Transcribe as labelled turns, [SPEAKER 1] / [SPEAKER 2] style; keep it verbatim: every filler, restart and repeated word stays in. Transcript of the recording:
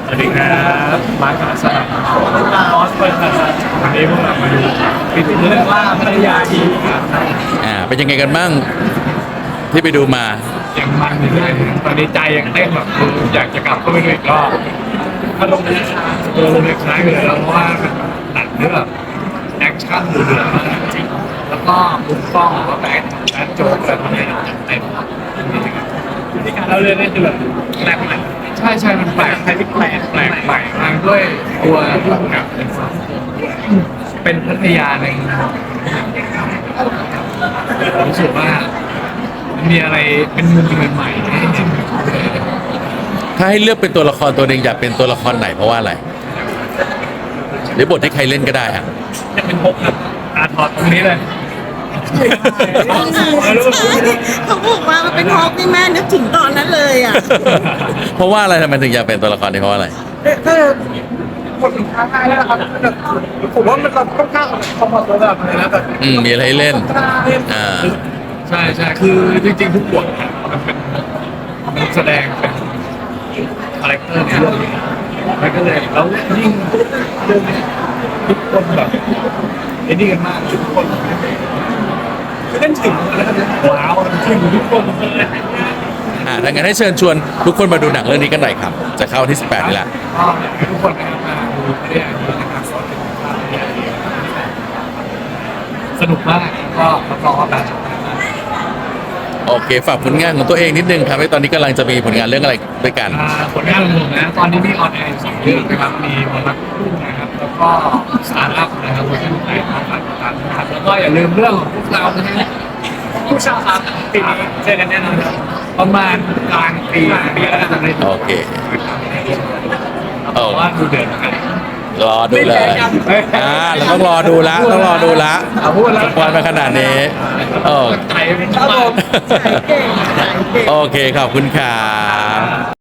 [SPEAKER 1] สวัสดีครับมาร์คสนามออสเปิดครับวันนี้พวกเรามาดูปิดเรื่องว่าภรรยาทีครับ
[SPEAKER 2] อ่าเป็นยังไงกันบ้างที่ไปดูมา
[SPEAKER 1] ยังมันอยู่เลยตอนนี้ใจยังเต้นแบบคืออยากจะกลับเข้าไปดูอีกรอบถ้าลงในเออลงในคล้ายไปเลยแล้วเพราะว่ามันหนังเรื่องแบบแอคชั่นดูเดือดมากจริงแล้วก็มุมกล้องหรือว่าแบ็คแบ็คโจ๊กอะไรพวกนี้จัดเต็มวิธีการเล่าเรื่องนี่คือแบบแปลกใหม่ใช่ใช่มันแปลกแปลกแปลกแปลกใหม่มากด้วยตัวผู้กำกับเป็นพัทยาในผมรู้สึกว่ามีอะไรเป็นมุมใหม่ๆให้เห็น
[SPEAKER 2] ถ้าให้เลือกเป็นตัวละครตัวหนึ่งอยากเป็นตัวละครไหนเพราะว่าอะไรหรือบทที่ใครเล่นก็ได้อะ
[SPEAKER 1] จะเป็นพกครับอาถอดตรงนี้เลย
[SPEAKER 3] เขาบอกว่ามันเป็นฮอกนี่แม่นึกถึงตอนนั้นเลยอ่ะ
[SPEAKER 2] เพราะว่าอะไรทำไมถึงอยากเป็นตัวละครนี้เพราะว่าอะไร
[SPEAKER 1] ถ้าคนท้าทายแล้วนะครับผมว่ามันค่อนข้างคอมฟอร์ตแบบนี้นะแบบ
[SPEAKER 2] อืมมีอะไรให้เล่นอ่า
[SPEAKER 1] ใช่ใช่คือจริงๆทุกบทมันเป็นมันแสดงเป็นคาแรคเตอร์ในเรื่องนี้มันก็เลยแล้วยิ่งเรื่องนี้ทุกคนแบบไอ้นี่กันมากทุกคนคือเล่นถึงแล้วว้าวถึงทุกคนเลย
[SPEAKER 2] อ่าดังนั้นให้เชิญชวนทุกคนมาดูหนังเรื่องนี้กันหน่อยครับจะเข้าวันที่สิบแปดนี่แหละ
[SPEAKER 1] ก็ทุกคนนะครับมาดูไม่ได้ดูนะครับก็เป็นภาพที่ดีสนุกมากก็รับรองว่าแบบ
[SPEAKER 2] โอเคฝากผลงานของตัวเองนิดนึงครับว่าตอนนี้กำลังจะมีผลงานเรื่องอะไรด้วยกัน
[SPEAKER 1] อ่าผลงานของผมนะตอนนี้มีออนแอร์สองเรื่องนะครับมีมนต์รักคู่นะครับแล้วก็สตาร์ทอัพนะครับเวอร์ชันไทยของฝากติดตามนะครับแล้วก็อย่าลืมเรื่องของพวกเรานะฮะผู้ชาวครับปีนี้เจอกันแน่นอนครับประมาณกลางปีปีแล้วจะได้ดู
[SPEAKER 2] โอเค
[SPEAKER 1] เพราะว่าดูเดือดเหมือนกัน
[SPEAKER 2] รอดูเลยอ่าเราต้องรอดูละต้องรอดูละ
[SPEAKER 1] เอาพูดแล้ว
[SPEAKER 2] วันมาขนาดนี้โอ้
[SPEAKER 1] ใจมันมาก
[SPEAKER 3] ขายเก่งขายเก่ง
[SPEAKER 2] โอเคขอบคุณครับ